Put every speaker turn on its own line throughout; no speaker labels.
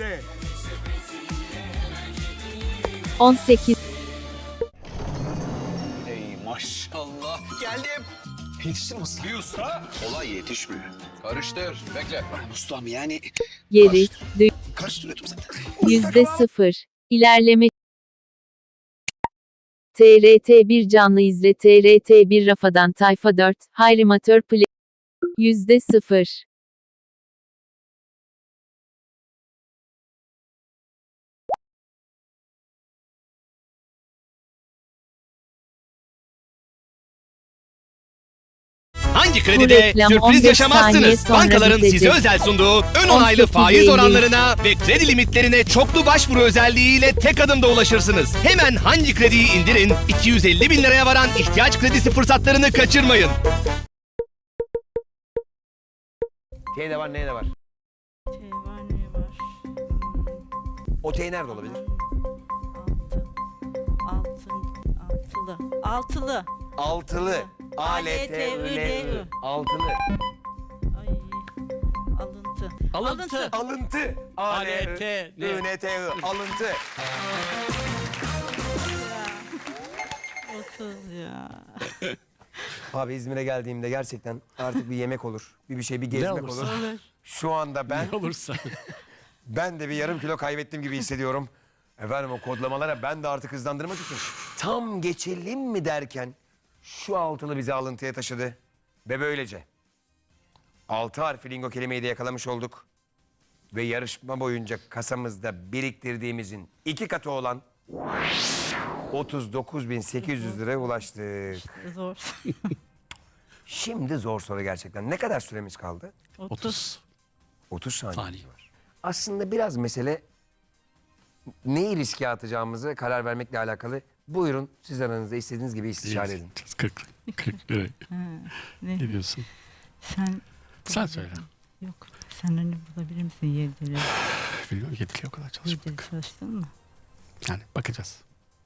izle.
18,
Ey maşallah. Geldim.
Yetiştim usta.
Bir usta. Olay yetişmiyor. Karıştır. Bekle. Ustam yani.
geri,
Karıştırıyordum zaten.
%0, ilerleme. TRT1 canlı izle. TRT1 Rafadan Tayfa 4, Hayrimatör Play. %0.
Hangi
Bu
kredide
reklam
sürpriz
15
yaşamazsınız?
saniye sonra
Bankaların
bitecek.
size özel sunduğu ön onaylı
18.50.
faiz oranlarına ve kredi limitlerine çoklu başvuru özelliğiyle tek adımda ulaşırsınız. Hemen hangi krediyi indirin, 250 bin liraya varan ihtiyaç kredisi fırsatlarını kaçırmayın.
T de var, N de var.
T var, ne var?
O T nerede olabilir?
Altılı.
Altılı.
A-L-T-I-L-I.
Altılı.
Ay. Alıntı.
Alıntı. A-L-T-I-N-T-I. Alıntı.
30 ya.
Abi İzmir'e geldiğimde gerçekten artık bir yemek olur. Bir gezmek olur. Şu anda ben
Olursa.
ben de bir yarım kilo kaybettim gibi hissediyorum. Efendim o kodlamalara ben de artık hızlandırmak için tam geçelim mi derken şu altılı bizi alıntıya taşıdı. Ve böylece 6 harfli lingo kelimeyi de yakalamış olduk. Ve yarışma boyunca kasamızda biriktirdiğimizin 2 katı olan 39.800 liraya ulaştık.
Zor.
Şimdi zor soru gerçekten. Ne kadar süremiz kaldı?
30
30 saniye.
saniye var.
Aslında biraz mesele neyi riske atacağımızı karar vermekle alakalı. Buyurun siz aranızda istediğiniz gibi istişare edin.
40 lira.
Ne?
Ne diyorsun?
Sen
Sen söyle.
yok. Sen hani bulabilir misin 7 lira?
Bilmiyorum, yetkili o kadar
7
çalışmadık.
çalıştın mı?
Yani bakacağız.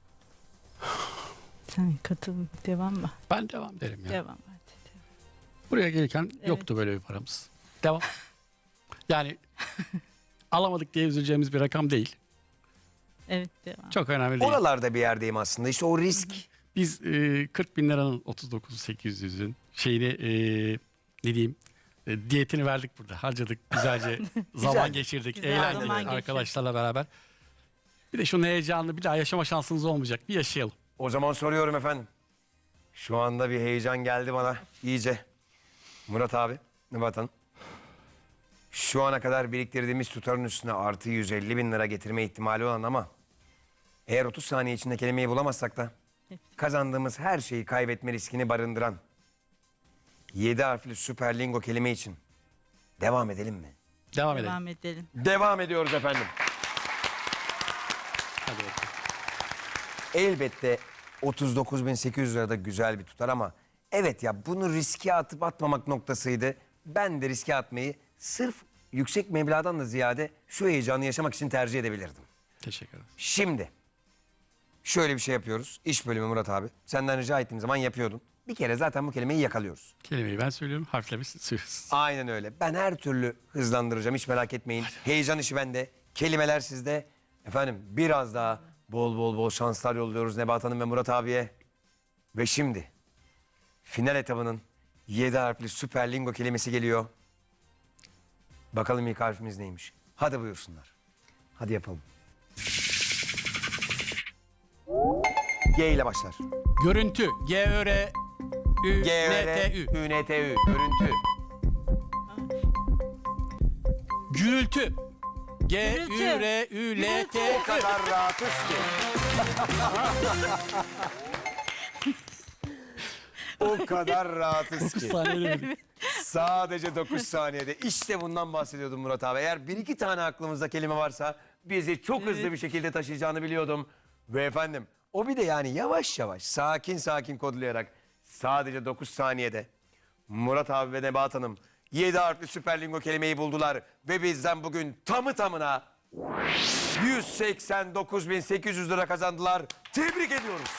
Sen katıl, devam mı?
Ben devam derim ya.
Devam hadi.
Buraya gelirken
Evet.
yoktu böyle bir paramız. Devam. Yani alamadık diye üzüleceğimiz bir rakam değil.
Evet, devam.
Çok önemli değil.
Oralarda bir yerdeyim aslında. İşte o risk.
Biz 40 bin liranın 39.800'ün şeyini ne diyeyim diyetini verdik burada. Harcadık güzelce zaman geçirdik.
Güzel
Eğlendik
zaman geçirdik.
arkadaşlarla beraber. Bir de şunun heyecanını bir daha yaşama şansınız olmayacak. Bir yaşayalım.
O zaman soruyorum efendim. Şu anda bir heyecan geldi bana iyice. Murat abi, Nebahat Hanım. Şu ana kadar biriktirdiğimiz tutarın üstüne artı 150 bin lira getirme ihtimali olan ama eğer 30 saniye içinde kelimeyi bulamazsak da kazandığımız her şeyi kaybetme riskini barındıran 7 harfli süper lingo kelime için devam edelim mi?
Devam edelim.
Devam edelim.
Devam ediyoruz efendim.
Hadi bakalım.
Elbette 39.800 lira da güzel bir tutar ama evet ya bunu riske atıp atmamak noktasıydı. Ben de riske atmayı sırf yüksek meblağdan da ziyade şu heyecanı yaşamak için tercih edebilirdim.
Teşekkür ederim.
Şimdi şöyle bir şey yapıyoruz. İş bölümü Murat abi. Senden rica ettiğim zaman yapıyordun. Bir kere zaten bu kelimeyi yakalıyoruz.
Kelimeyi ben söylüyorum, harfleri siz söylüyorsunuz.
Aynen öyle. Ben her türlü hızlandıracağım. Hiç merak etmeyin. Heyecan işi bende. Kelimeler sizde. Efendim biraz daha bol şanslar yolluyoruz Nebahat Hanım ve Murat abiye. Ve şimdi final etabının 7 harfli süper lingo kelimesi geliyor. Bakalım ilk harfimiz neymiş? Hadi buyursunlar. Hadi yapalım. G ile başlar.
Görüntü. G-Ö-R-Ü-N-T-Ü.
G-Ö-R-Ü-N-T-Ü. Görüntü.
Gürültü.
O
G-Ü-R-Ü-L-T-Ü.
kadar rahatız ki. O kadar rahatız ki.
Saniye
Sadece 9 saniyede. İşte bundan bahsediyordum Murat abi. Eğer bir iki tane aklımızda kelime varsa bizi çok hızlı bir şekilde taşıyacağını biliyordum. Ve efendim o bir de yani yavaş yavaş sakin kodlayarak sadece 9 saniyede Murat abi ve Nebahat Hanım 7 harfli süper lingo kelimeyi buldular. Ve bizden bugün tamı tamına 189.800 lira kazandılar. Tebrik ediyoruz.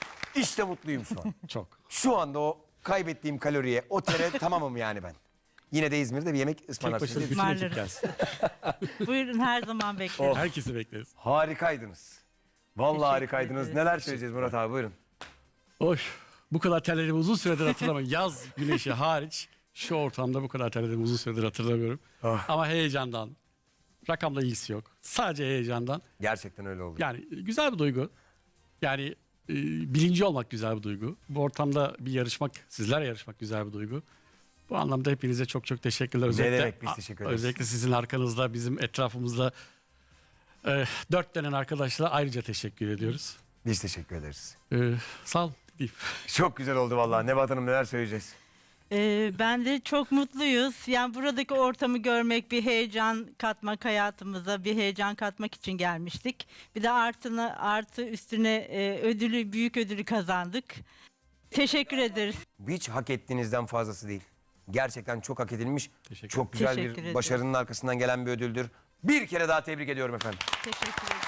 İşte mutluyum şu an.
Çok.
Şu anda o kaybettiğim kaloriye, o tere tamamım yani ben. Yine de İzmir'de bir yemek
Tek
ısmarlarsınız.
başına
diye
bütün ekip
Ismarlarım.
gelsin.
Buyurun, her zaman bekleriz.
Herkesi bekleriz.
Harikaydınız. Vallahi
Teşekkür
harikaydınız.
ederiz.
Neler söyleyeceğiz Murat abi, buyurun.
Oy. Bu kadar terlediğimi uzun süredir hatırlamıyorum. Yaz güneşi hariç şu ortamda bu kadar terlediğimi uzun süredir hatırlamıyorum.
Ah.
Ama heyecandan. Rakamla ilgisi yok. Sadece heyecandan.
Gerçekten öyle oldu.
Yani güzel bir duygu. Yani birinci olmak güzel bir duygu. Bu ortamda bir yarışmak, sizlerle yarışmak güzel bir duygu. Bu anlamda hepinize çok çok teşekkürler. Özellikle,
demek, biz teşekkür ederiz.
Özellikle sizin arkanızda, bizim etrafımızda dört denen arkadaşlara ayrıca teşekkür ediyoruz.
Biz teşekkür ederiz.
Sağ ol diyeyim.
Çok güzel oldu vallahi. Nebahat Hanım, neler söyleyeceğiz?
Ben de çok mutluyuz. Yani buradaki ortamı görmek, bir heyecan katmak hayatımıza, bir heyecan katmak için gelmiştik. Bir de artı üstüne büyük ödülü kazandık. Teşekkür ederiz.
Hiç hak ettiğinizden fazlası değil. Gerçekten çok hak edilmiş.
Teşekkür
Çok güzel
Teşekkür
bir
ederim.
başarının arkasından gelen bir ödüldür. Bir kere daha tebrik ediyorum efendim.
Teşekkür ederiz.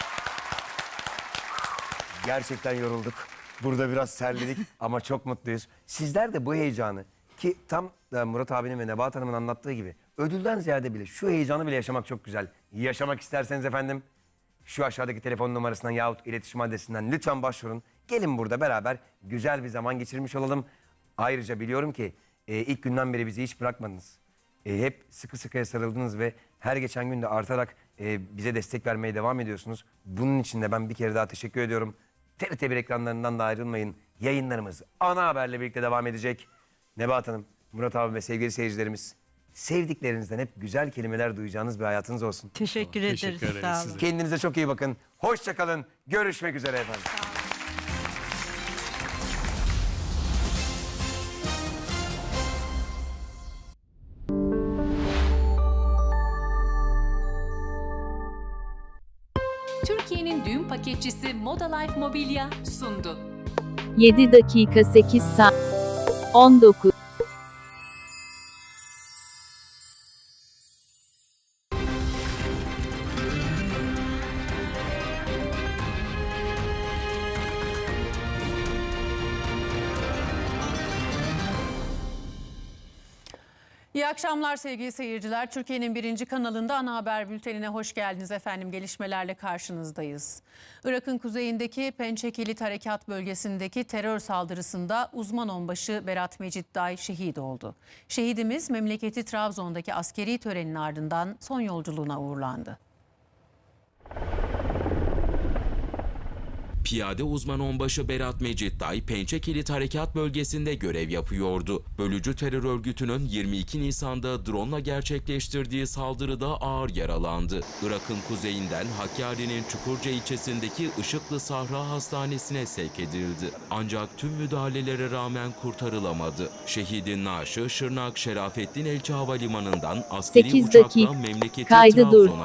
Gerçekten yorulduk. Burada biraz terledik ama çok mutluyuz. Sizler de bu heyecanı, ki tam da Murat abinin ve Nebahat Hanım'ın anlattığı gibi ödülden ziyade bile şu heyecanı bile yaşamak çok güzel. Yaşamak isterseniz efendim şu aşağıdaki telefon numarasından yahut iletişim adresinden lütfen başvurun. Gelin burada beraber güzel bir zaman geçirmiş olalım. Ayrıca biliyorum ki ilk günden beri bizi hiç bırakmadınız. Hep sıkı sıkıya sarıldınız ve her geçen gün de artarak bize destek vermeye devam ediyorsunuz. Bunun için de ben bir kere daha teşekkür ediyorum. TRT1 ekranlarından da ayrılmayın. Yayınlarımız ana haberle birlikte devam edecek. Nebahat Hanım, Murat abi ve sevgili seyircilerimiz, sevdiklerinizden hep güzel kelimeler duyacağınız bir hayatınız olsun.
Teşekkür ederiz.
Teşekkür ederiz
Sağ olun.
size.
Kendinize çok iyi bakın. Hoşça kalın. Görüşmek üzere efendim.
Türkiye'nin düğün paketçisi Moda Life Mobilya sundu.
7 dakika 8 saat 19.
İyi akşamlar sevgili seyirciler. Türkiye'nin birinci kanalında ana haber bültenine hoş geldiniz efendim. Gelişmelerle karşınızdayız. Irak'ın kuzeyindeki Pençe Kilit Harekat bölgesindeki terör saldırısında uzman onbaşı Berat Meciddai şehit oldu. Şehidimiz memleketi Trabzon'daki askeri törenin ardından son yolculuğuna uğurlandı.
Piyade uzman onbaşı Berat Meciddai, Pençe Kilit Harekat bölgesinde görev yapıyordu. Bölücü terör örgütünün 22 Nisan'da drone'la gerçekleştirdiği saldırıda ağır yaralandı. Irak'ın kuzeyinden Hakkari'nin Çukurca ilçesindeki Işıklı Sahra Hastanesi'ne sevk edildi. Ancak tüm müdahalelere rağmen kurtarılamadı. Şehidin naaşı Şırnak Şerafettin Elçi Havalimanı'ndan askeri
8
uçakla
dakika.
memleketi
Kaydı dur.
Trabzon'a